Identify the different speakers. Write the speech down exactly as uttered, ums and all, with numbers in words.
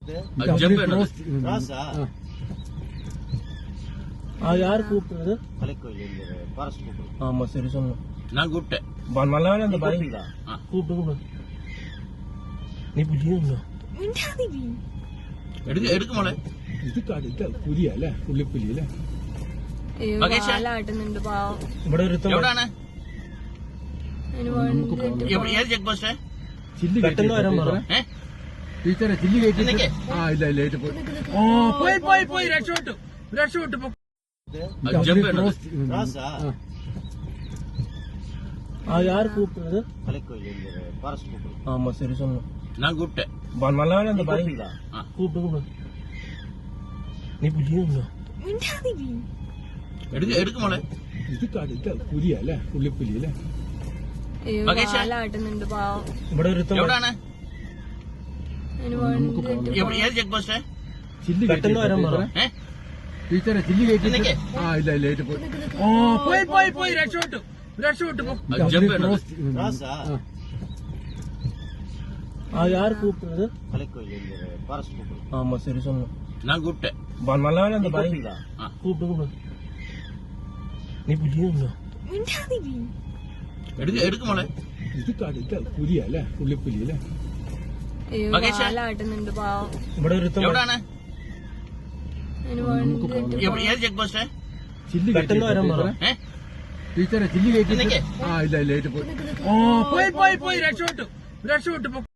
Speaker 1: யாரு கூப்பிடுறது? ஆமா சரி சொன்னோம்.
Speaker 2: நான் கூப்பிட்டேன்.
Speaker 1: நல்லா அந்த பாருங்க கூப்பிட்டு நீ புரியுங்க
Speaker 2: എടുക്ക എടുക്ക മോളെ.
Speaker 1: ഇത് കടുത്ത പുലിയല്ലേ പുള്ളിപ്പുലിയല്ലേ?
Speaker 2: ഇവിടെ എവിടാണ്? ഏത് ചെക്ക് പോസ്റ്റ്?
Speaker 1: ചില്ലി പെട്ടെന്ന് വരാൻ പറ ടീച്ചറെ. ചില്ലി കയറ്റി ആ ഇല്ല ഇല്ല ഓ പോയി പോയി പോയി രക്ഷപ്പെട്ടു രക്ഷപ്പെട്ടു. ആ யாரு கூப்பிடுறது? ஆமா சரி சொன்னோம்.
Speaker 2: நான் கூப்பிட்டேன்.
Speaker 1: நல்லா அந்த பாருங்க கூப்பிட்டு நீ புரியுங்க
Speaker 2: എടുക്ക എടുക്ക മോളെ.
Speaker 1: ഇത് കടുത്ത പുലിയല്ലേ പുള്ളിപ്പുലിയല്ലേ?
Speaker 2: ഇവിടെ എവിടാണ്? ഏത് ചെക്ക് പോസ്റ്റ്?
Speaker 1: ചില്ലി പെട്ടെന്ന് വരാൻ പറ ടീച്ചറെ. ചില്ലി കയറ്റി ആ ഇല്ല ഇല്ല ഓ പോയി പോയി പോയി രക്ഷപ്പെട്ടു രക്ഷപ്പെട്ടു. ആ யாரு கூப்பிடுறது? ஆமா சரி சொன்னோம்.
Speaker 2: நான் கூப்பிட்டேன்.
Speaker 1: நல்லா அந்த பாருங்க கூப்பிட்டு நீ புரியுங்க
Speaker 2: എടുക്ക എടുക്ക മോളെ.
Speaker 1: ഇത് കടുത്ത പുലിയല്ലേ പുള്ളിപ്പുലിയല്ലേ?
Speaker 2: ഇവിടെ എവിടാണ്? ഏത് ചെക്ക് പോസ്റ്റ്?
Speaker 1: ചില്ലി പെട്ടെന്ന് വരാൻ പറ ടീച്ചറെ. ചില്ലി കയറ്റി ആ ഇല്ല ഇല്ല ഓ പോയി പോയി പോയി രക്ഷപ്പെട്ടു രക്ഷപ്പെട്ടു.